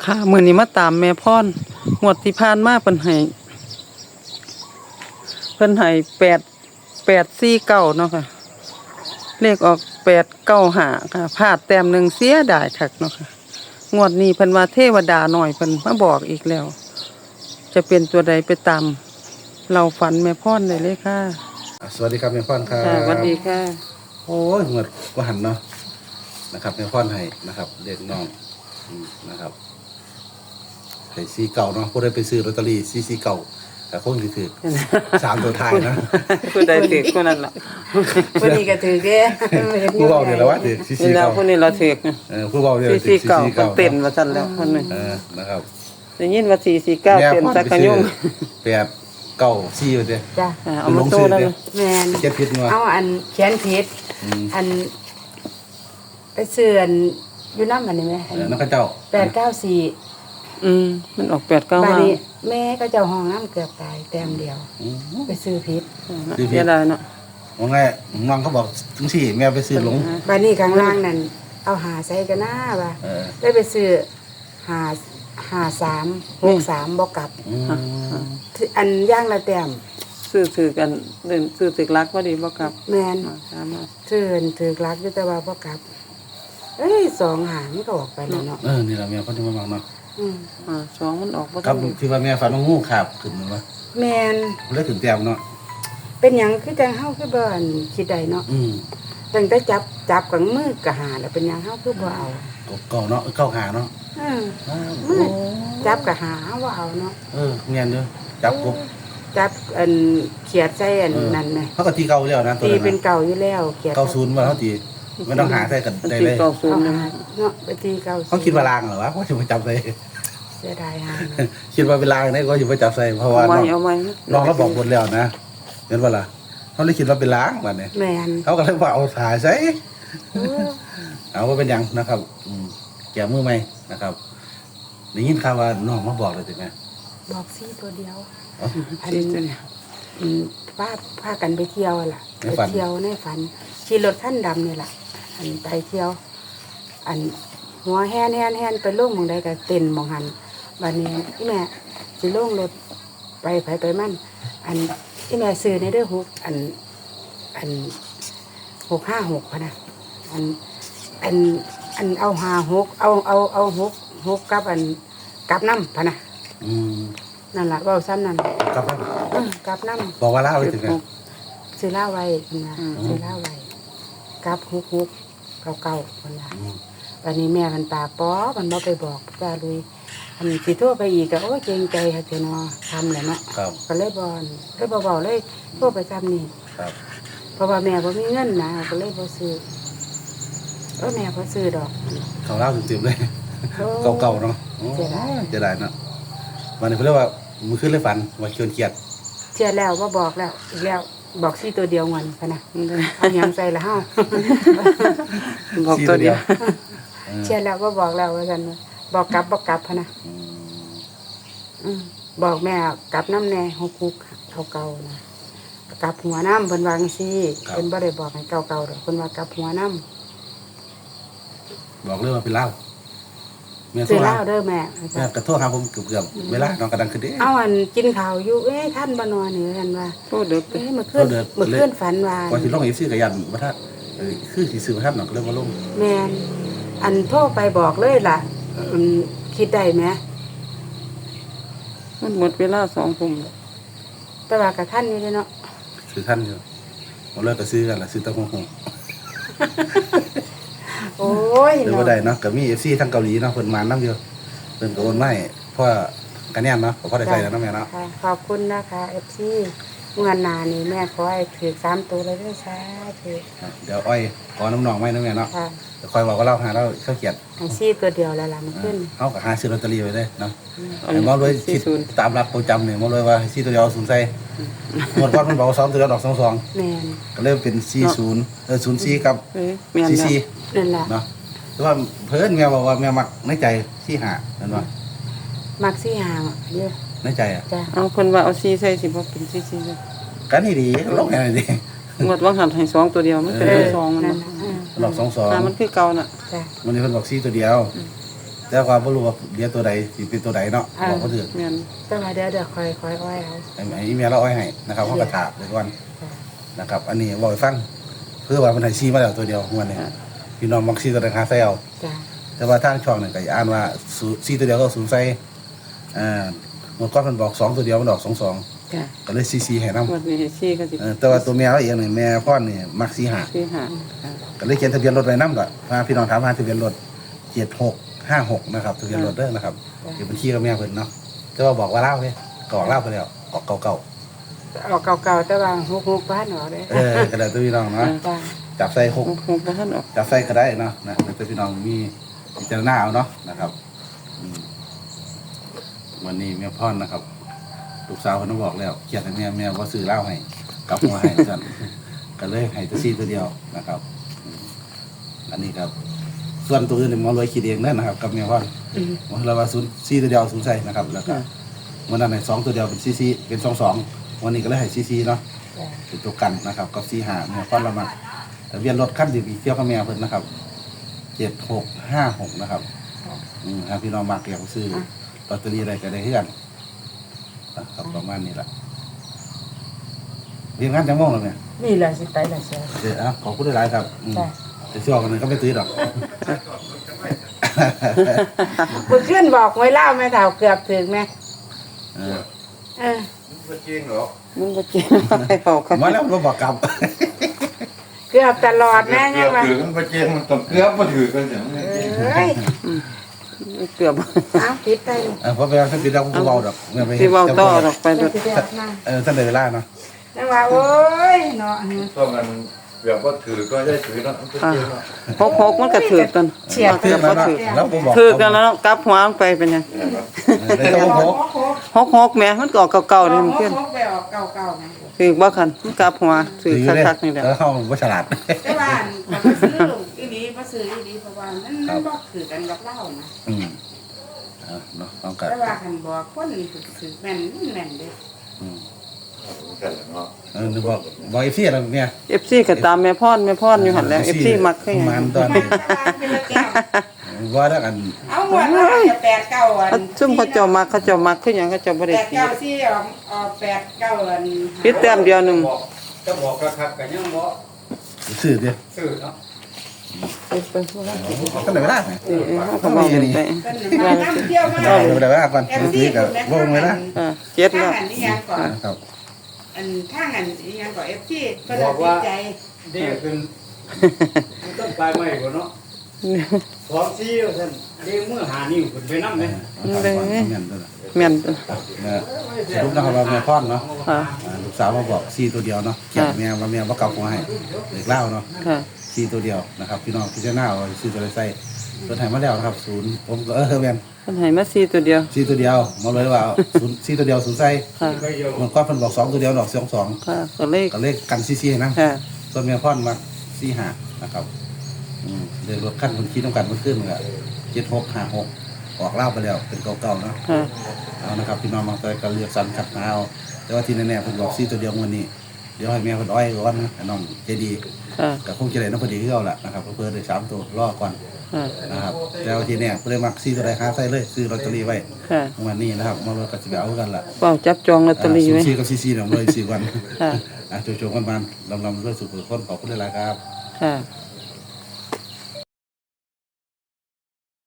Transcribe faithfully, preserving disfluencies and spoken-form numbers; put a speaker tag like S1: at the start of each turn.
S1: ค่ะมื้อนี้มาตามแม่พรงวดที่ผ่านมาเพิ่นให้เพิ่นให้แปด แปด สี่ เก้าเนาะค่ะเลขออกแปด เก้า ห้าค่ะพลาดแต้มหนึ่งเสียดายคักเนาะค่ะงวดนี้เพิ่นว่าเทวดาหน่อยเพิ่นมาบอกอีกแล้ว จะเป็นตัวใดไปตามเราฝันแม่พรได้เลยค่ะ
S2: สวัสดีครับแม่พรครับ
S1: ค่ะสวัสดีค่ะ
S2: โอ้ยเหมือนว่าหันเนาะนะครับแม่พรให้นะครับเด็กน้องอืมนะครับให้ซีเก่าเนาะผู้ใดไปซื้อลอตเตอรี่ซีซีเก่าแต่คงถือถือสามตัวท้ายนะ
S1: ผู้ใดถือคนนั้นล่ะ
S3: วันนี้ก็ถือเด้
S2: ผู้เบาเนี่ยแหละว่าถือซีซี
S1: นี่แล้ว
S2: เก่า
S1: ผู้นี้เราถือ
S2: เออผู้เบาเนี่ย
S1: สี่
S2: ถื
S1: สี่
S2: อซี
S1: เก้า
S2: ซี
S1: เพิ่น
S2: เก่า
S1: เต้นว่าซั่นแล้วคนนึง
S2: เออนะครับ
S1: ได้ยินว่าสี่สี่เก้าเต้นสักขยุ่ง
S2: แปดเก้าซีไปเด้
S3: จ้ะ
S1: เอามาโตแล้ว
S3: แม่น
S2: เจ็ดพิษมา
S3: เอาอันเขียนผิด
S2: อืม
S3: อันไปเสื่อนอยู่น้ำมันนี่ไหม
S2: เออนักเจ้า
S3: แปดเก้าสี่
S1: อืมมันออกแปดเก้า
S3: บา
S1: ห้า
S3: นี้แม่ก็เจ้าห้องน้ำเกือบตายแต้มเดียว
S2: อืม
S3: ไปซื้อผิด
S2: ซื้อผิด
S1: เสียดายเนาะ
S2: ว่าไงน้องเขาบอกจังสี่แม่ไปซื้อหลง
S3: บานี้ข้างล่างนั่นเอาหาใส่กันหน้าบ่ะ
S2: เออ
S3: ได้ไปซื้อหาหาสามหกสามบอกกลับ
S2: อืม
S3: อันย่างละแต้ม
S1: ซื้อถือกันเดินซื้อถือรักว่าดีบ่กลับ
S3: แม่น
S1: มาตามมา
S3: ถือนถือกลักอยู่แต่ว่าบอกกลับ เอ้ยสองหางมันก็ออกไปแล้วเนาะ
S2: เออนี่แหละแม่เขาจะมาบังเนาะ
S3: อืม
S1: อ่าสองมันออกบ่
S2: ครั
S1: ทั
S2: บ
S1: น
S2: ที่ว่าแม่ฝันว่างูขาบขึ้นมันวะ
S3: แมน
S2: เลือถึงแต้มเนาะ
S3: เป็นหยังคือจังเฮาคือบ่อันคิดได้เนาะ
S2: อืม
S3: ตั้งแต่จับจับกับมือกะหาแล้วเป็นหยังเฮาคือบ่เอา
S2: เก่าเนาะเก่าหาเนาะ
S3: อืม
S2: อ้าว
S3: มือจับกะหาเฮาบ่เอาเนาะ
S2: เออเงียนเด้อจับกบ
S3: จับอันเขียดใส่อันนั้นแหม
S2: เขาก็ตีเก่าแล้วนะตัว
S3: ตี
S2: นั้น
S3: เป็น
S2: นะ
S3: เก่าอยู่แล้วเขียด
S2: เก่าศูนย์มาเขาตีไม่ต้องหาใส่กัน
S1: มัน
S2: ได้
S1: สิ
S2: เลย
S1: เก้าศูน
S3: เอา
S1: ย์
S3: หาเนาะไปตีเก่า
S2: เขาคิดว่าลางเหรอวะว่าจะมาจับใส่
S3: เสียดายหา
S2: คิดว่าเป็นลางเนี่ยก็จะมาจับใส่เพราะว่า
S1: เอาไว้
S2: น้อง
S1: เอาไว้
S2: น้องเราบอกหมดแล้วนะเห็นว่าล่ะเขาเลยคิดว่าเป็นลางวันนี้
S3: แม่น
S2: เขาก็เลยว่าเอาถ่ายใส่
S3: เออ
S2: เอาว่าเป็นหยังนะครับอืมแกมือไหมนะครับได้ยินข่าวว่าน้องมาบอกเลยใช่ไหม
S3: บอกซี่ตัวเดียว
S2: อ๋อ
S3: อัน
S1: สี่ตัวเนี่ย
S3: อืมพาพากันไปเที่ยวล่ะ
S2: ใน
S3: ไป
S2: ฝัน
S3: เที่ยวในฝันขี่รถคันดำนี่ล่ะ อันไปเที่ยว อันหัวแฮนแฮนแฮนไปลงหมองใดก็เต้นหมองหันบัดนี้อีแม่สิลงรถไปไปไปมันอันอีแม่ซื้อในเด้อหกอัน อันหกห้าหกพะนะอัน อันอันเอาหาหกเอาเอาเอาหกหกกับอันกับน้ำพะนะ
S2: อืม
S3: นั่นล่ะเว้าซ้ำนั่น
S2: ครับ
S3: เออกับน้ำ
S2: บอกว่าเล่าเลยถึงไง
S3: ซื้อเหล้าไว้คุณนะซื้อเหล้าไว้กับฮุกฮุกเก่าเก่าๆคุณนะ
S2: อืม
S3: วันนี้แม่มันตาป้อมันบ่ไปบอกจ้าลุยอันสิโทั่วไปอีกก็โอ้ยเกรงใจค่ะเจ้าเนาะทำแหละเนาะ
S2: ครับ
S3: ก็เลยบอนเลยบ่เบาเลยโทั่วไปซ้ำนี่
S2: ครับ
S3: เพราะว่าแม่บ่มีเงินนะก็เลยบ่ซื้อเออแม่บ่ซื้อดอก
S2: เขาเล่าเต็มๆเลย
S3: โอ้
S2: เก่าๆเนาะโอ้
S3: เสียดาย
S2: เสียดายเนาะวันนี้เขาเรียกว่ามือขึ้นเลยฝันว่าเกินเกียรติ
S3: เชื่อแล้วบ่บอกแล้วอีกแล้วบอกซี่ตัวเดียวมันพะนะเอาหยังใส่ละเฮา
S1: บอกตัวเดียว
S2: เออ
S3: เชื่อแล้วบ่บอกแล้วว่าซั่นว่าบอกกลับบ่กลับพะนะ
S2: อืม
S3: อืมบอกแม่กลับน้ำแน่หกคุกเก่าๆนะกลับหัวน้ำเพิ่นวาจั่งซี่เพิ่นบ่ได้บอกให้เก่าๆดอกเพิ่นว่ากลับหัวน้
S2: บอกเลยว่าเป็นเล่าแม่
S3: ำ
S2: โท
S3: ซื้
S2: ร
S3: อเห
S2: หา
S3: ล้าเด้อแม่
S2: แม่กระโทษครับผมเกือบๆเวลาน้องกระดังขึ้นเด้
S3: เอาอันกินข้าวอยู่เอ้ยท่านบ่นอนนี่ท่านว่า
S1: โทษเด็ก
S3: เอ้ยเมื่อคืนเมื่อคืนฝันว่า
S2: ก่อนที่ลงเอฟซีกับยันว่าถ้าเออคือสีสื่อว่าท่านน้องก็เริ่มมาลง
S3: แม่นอันโทรไปบอกเลยล่ะอืมคิดได้ไหม
S1: มันหมดเวลาสองทุ่มแล้ว
S3: แต่ว่ากับท่านนี่เด้อเนาะ
S2: คือท่านอยู่มาเลิกก็ซื้อกันละซื้อตะหงหง
S3: โอ้ย
S2: หรือ
S3: เนาะ
S2: ว่าใดเนาะก็มีเอฟซีทั้งเกาหลีเนาะเพิ่นมาน้ำเดียวเพิ่นก็โอนมาให้เพราะว่ากันแน่นเนาะเพราะได้ใส่แล้วเนาะแม่เนาะ
S3: ค่ะขอบคุณนะคะ เอฟ ซี เงินหนานี่แม่ขอให้ถือสามตัวเลยด้วยซ้าถือ
S2: เดี๋ยวอ้อยขอน้ำหนองไว้นะแม่เนาะ
S3: ค่ะ
S2: เดี๋ยวคอยบอกว่าเราหาเราเข้าเกียรติ
S3: ให้ซีตัวเดียวแล้วล่ะมันขึ้น
S2: เขากับหาซื้อลอตเตอรี่ไว้ได้เนาะ
S1: เอา
S2: แต่มองด้วย
S1: สี่
S2: คิด
S1: ศูนย์
S2: ตามหลักประจำเนี่ยมองด้วยว่าซีตัวเดียวศูนย์ใส่หมดก้อนมันบอกว่าสองตัวเดียวดอกสองสอง
S3: แม่น
S2: ก็เริ่มเป็นซีศูนย์เออศูนย์ซีกับ
S1: เอ้ยแม่น
S2: ซี
S1: แล้ว
S2: ซี
S3: นั่นแหละ
S2: เนาะแต่ว่าเพิ่นแม่บอกว่าแม่มักในใจซีหาเห็นป่ะ
S3: มักซี่หางอะเยอะ
S2: ในใจอ่ะ
S3: จ้ะ
S1: เอาเพิ่นว่าเอาสี่ใส่สิบ่เป็นสี่สี่เลย
S2: กันนี่ดีลงแค่นี้ดี
S1: งวดว่างหันให้สองตัวเดียวมันเป็น
S2: เออ
S1: สองมัน
S3: นั่
S1: บ่
S3: นน่ะอืม
S2: ดอกสองสอง
S1: อ่ามันคือเก่าน่ะ
S3: จ้ะ
S2: วันนี้เพิ่นบอกซีตัวเดียวแต่ว่าบ่รู้ว่าเดี๋ยวตัวใดสิเป็นตัวใดเนาะบอกบ่ถูก
S1: แม่น
S3: แต่ว่าเดี๋ยวเดี๋ยวคอยคอยอ้อยเอา
S2: ไอ้ไอ้อีเมลเราอ้อยให้นะครับเฮาก็ถามไว้ก่อนนะครับ อันนี้บอกให้ฟังเพื่อว่ามันให้ซีมาแล้วตัวเดียวงวดนี้พี่น้องมักซีตัวใดหาใส่เอา
S3: จ้ะ
S2: แต่ว่าทางช่องนี่ก็อ่านว่าซีตัวเดียวก็ศูนย์ใส่อ่าเมื่อก่อนมันบอกสองตัวเดียวมันออกสองสอง
S1: จ้ะ
S2: ก็เลยซีซีให้นำ
S1: งวดนี้ให้สี่ก็สิ
S2: เออแต่ว่าตัวแมวเองนี่แม่พ่อนี่มักสีหา
S1: สี่ห้าค่ะ
S2: ก็เลยเขียนทะเบียนรถไว้นำก่อนพาพี่น้องถามหาทะเบียนรถเจ็ดหกห้าหกนะครับทะเบียนรถเด้อนะครับเก็บบัญชีกับแม่เพิ่นเนาะแต่ว่าบอกว่าเล่าเด้ก็ออกเล่าไปแล้วออกเก่า
S3: ออกเก่าๆแต่ว่าฮุกฮุกบ้านออกเลย
S2: ๆเออก็ได้ตัวพี่น้องเนาะ
S3: จ้ะ
S2: จับใส่หก
S1: โอ้โหบ่ทันออก
S2: จับใส่ก็ได้เนาะนะแต่ตัวพี่น้องมีพิจารณาเอาเนาะนะครับอืมวันนี้แม่พ่อนนะครับลูกสาวเพิ่นบอกแล้วเขียนให้แม่แม่บ่ซื้อเหล้าให้กลับมาให้กัน ก็เลยให้ตัวซีตัวเดียวนะครับอืมอันนี้ครับ ส่วนตัวอื่นเนี่ยหมอรวยคิดเองนั่นนะครับกับแม่พ่อน
S3: อืม
S2: หมอเราว่าศูนย์ซีตัวเดียวศูนย์ใส่นะครับแล้วก็วันนั้นให้สองตัวเดียวเป็นซีซีเป็นสองสองวันนี้ก็เลยให้ซีซีเนาะ
S3: จ้ะ
S2: เป็นตัวกันนะครับกับซีหาแม่พ่อนเรามาทะเบียนรถขั้นดีบีเที่ยวกับแม่เพิ่นนะครับเจ็ดหกห้าหกนะครับอืมถ้าพี่น้องมาเกี่ยวซื้อลอตเตอรี่อะไรก็ได้เฮือนนะครับประมาณนี้แหละเรียนงานจังม่วงแล้วเนี่ย
S3: นี่แหละสิไปละเชียว
S2: เดี๋ยวอ่ะขอบคุณหลายๆครับอืม
S3: จ้ะ
S2: แต่ช่วงนั้นก็ไม่ตื้อหรอก
S3: มึงขึ้นบอกไว้เล่าแม่เฒ่าเกือบถึงแม่
S2: เออ
S3: เออ
S4: มันจริงเหรอ
S1: มันบ่จริงให้เฝ้ากัน
S2: มาแล้วมาบอกกลับ
S3: เกือบตลอดแม่
S4: เกื
S3: ยั
S4: อง บ
S3: ว่า
S4: ถือกันประเจงมันต้องเกือบมาถือกันอย่างนี้
S3: เอ้ย
S1: เกือบ
S3: เอาปิดไป
S2: เออเพราะไปท่านปิดแล้วผมเบาดอกเมื่อไป
S1: สิเว้าต่อดอกไป
S3: ไป
S1: เด้อ
S3: สิเดียวนะ
S2: เออท่านได้เวลาเนาะ
S3: นั่นว่าโอ้ยเนาะ
S4: ต้องกันเกือบว่าถือก็ได้ถือเนาะมันประเจงเนาะ
S1: หกหกมันก็ถือกัน
S3: เฉียด
S2: เทื่อมาเนาะแล้วผมบอก
S1: ถือกันแล้วกลับหัวลงไปเป็นหยัง
S2: เลยต้องพก
S1: หกหกแหม่มันก็ออกเก่าๆนี่มันขึ้น
S3: ไปออกเก่าๆไง
S1: ถือบ่คันมันกลับหัวถือ
S2: ถือเลย
S1: คักๆนี่แหละ
S2: แล้วเข้าว่าฉลาด
S3: แต่ว่าอันก็ซื้ออีหลีบ่ซื้ออีหลีเพราะว่ามันมันบ่คือกันกับเรานะ
S2: อืมเอาเนาะต้องกัน
S3: แต่ว่าคันบอกคนถือแม่นมันแม่นเด้
S2: อืม
S4: กันเนาะ
S2: เออนึกบอกบอกไอ้เสียแล้วเนี่ย
S1: เอฟซีก็ตามแม่พรแม่พรอยู่หั่นแหล้ว เอฟ ซี มักคือหยัง
S2: มันตอน
S3: มา
S2: นี้
S3: ตลาดเป็นละแก้ว
S2: ว่าแล้วกัน
S3: เอาหมดว่าจะแปดเก้าอัน
S1: เขาซุ่มเขาเจ้ามักเขาเจ้ามักคือหยังเขาเจ้าบ่
S3: แป
S1: ได้
S3: ด
S1: ตี
S3: เก้าสี่ออกออกแปดเก้าอัน
S1: พิดแต้มเดียวหนึง
S5: บอกจะบอกกระคักกันยังบอก
S2: ซื้อเดียว
S5: ซื้อเนาะ
S1: ไปไปบ่ได้
S2: ท่านได้เวลาไหม
S1: เออเออเขาก็เว้ากันไป
S3: เป็นมาน้ำเที่ยวมา
S2: เอาได้เวลาก่อน
S3: เอฟ
S2: เมื่อ
S3: ซี
S2: กี้กับ
S3: คุณแม่
S2: วงเวลา
S1: เออเจ็ด
S3: ข้าง
S1: แล้ว
S3: อันนี้ยังก่อน
S2: ครับ
S3: อันข้างอันนี้ยังก่อนเอฟซีก็
S5: บ
S3: ได้
S5: อก
S3: ติ
S5: ว่า
S3: ดใจ
S5: ดีขึ้นมันต้องไปไม่กว่าเนาะสองซี่ว่าท่านเดีเมื่อหานิ้วขึ้นไปน้ำไหม
S1: เด้อ
S2: แม่นตัว
S1: แม่น
S2: นะลูกนะครับว่าแม่พ่อนเนาะ
S1: ค่ะ
S2: อ่าลูกสาวมาบอกซีตัวเดียวเนาะเขียนแม่ว่าแม่ว่ากลับหัวให้เด็กเล่าเนาะ
S1: ค่ะ
S2: ซีตัวเดียวนะครับพี่น้องพิจารณาเอาซื้อตัวใดใส่ตัวไหนมาแล้วนะครับศูนย์ผมก็เออแม่น
S1: เพิ่นให้มาสี่ตัวเดียว
S2: ซีตัวเดียวมาเลยว่าศูนย์ซีตัวเดียวศูนย์ใส่
S1: ค่ะ
S5: ก็เยอะ
S2: มันก็เพิ่นบอกสองตัวเดียวดอกสองสอง
S1: ค่ะก็เลย
S2: ก็เลขกันซีซีให้นะ
S1: ค่ะ
S2: ส่วนแม่พ่อนมาซีหานะครับอืมเดินรถขั้นคนคิดต้องการมันขึ้นเลยอะเจ็ดหกห้าหกออกเล่าไปแล้วเป็นเก่าๆเนาะ
S1: ค่ะ
S2: เอานะครับพี่น้องบางตัวก็เลือกสรรคัดหาเอาแต่ว่าที่แน่ๆเพิ่นบอกซีตัวเดียววันนี้เดี๋ยวให้แม่เพิ่นอ้อยก่อนนะให้น้องใจดี
S1: ค่ะ
S2: ก็คงจะได้น้องพอดีคือเอาล่ะนะครับเพิ่นได้สามตัวรอก่อน
S1: ค่ะ
S2: นะครับแต่ว่าที่แน่เพิ่นได้มักซีตัวใดค้าใส่เลยซื้อลอตเตอรี่ไว้
S1: ค่ะ
S2: วันนี้นะครับมาเลยก็สิไปเอากันล่ะ
S1: เฝ้าจับจองลอตเตอรี่ไว้
S2: ซีกับซีซีเนี่ยเลยสี่วัน
S1: ค่ะ
S2: อ่ะโจโจกันบานลำลำด้วยสุขคนขอบคุณหลายๆครับ
S1: ค่ะ